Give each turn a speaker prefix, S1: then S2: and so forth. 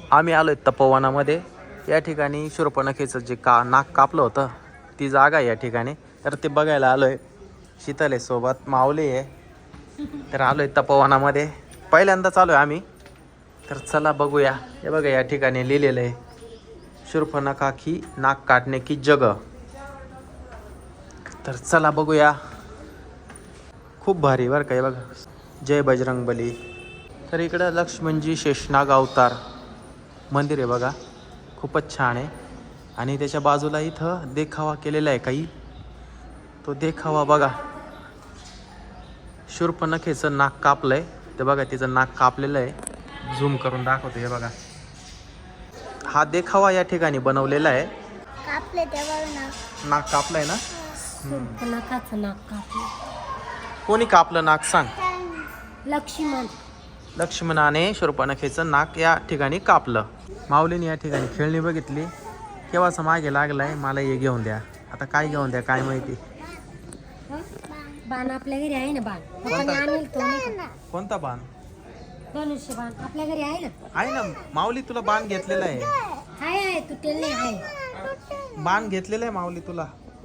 S1: आम्ही आलोय तपोवनामध्ये. या ठिकाणी शूर्पणखेचं जे नाक कापलं होतं ती जागा आहे या ठिकाणी. तर ते बघायला आलोय. शीतल आहे सोबत, माऊली आहे. तर आलोय तपोवनामध्ये, पहिल्यांदाच आलोय आम्ही. तर चला बघूया. हे बघा या ठिकाणी लिहिलेलं आहे शूर्पणखा की नाक काटणे की जगह. तर चला बघूया. खूप भारी बरं का. हे बघा जय बजरंगबली. तर इकडं लक्ष्मणजी शेषनाग अवतार मंदिर आहे बघा, खूपच छान आहे. आणि त्याच्या बाजूला इथं देखावा केलेला आहे काही. तो देखावा बघा, शूर्पणखेचं नाक कापलंय. ते बघा तिचं नाक कापलेलं आहे. झूम करून दाखवतो. हे बघा हा देखावा या ठिकाणी बनवलेला आहे.
S2: कापले तेव्हा
S1: नाक कापलंय ना.
S2: शूर्पणखाचं नाक कापलं.
S1: कोणी कापलं नाक सांग.
S2: लक्ष्मण.
S1: लक्ष्मणाने शूर्पणखेचं नाक या ठिकाणी कापलं. माऊलीने या ठिकाणी खेळणी बघितली, केव्हाचा मागे लागलाय मला हे घेऊन द्या. आता काय घेऊन द्या काय माहिती.
S2: बाण आपल्या घरी आहे ना. बाण
S1: कोणता बाण.
S2: धनुष्य बाण आपल्या घरी आहे ना.
S1: आहे ना माऊली, तुला बाण घेतलेला आहे.
S2: आहे तुटेल नाही आहे.
S1: बाण घेतलेला आहे माऊली तुला.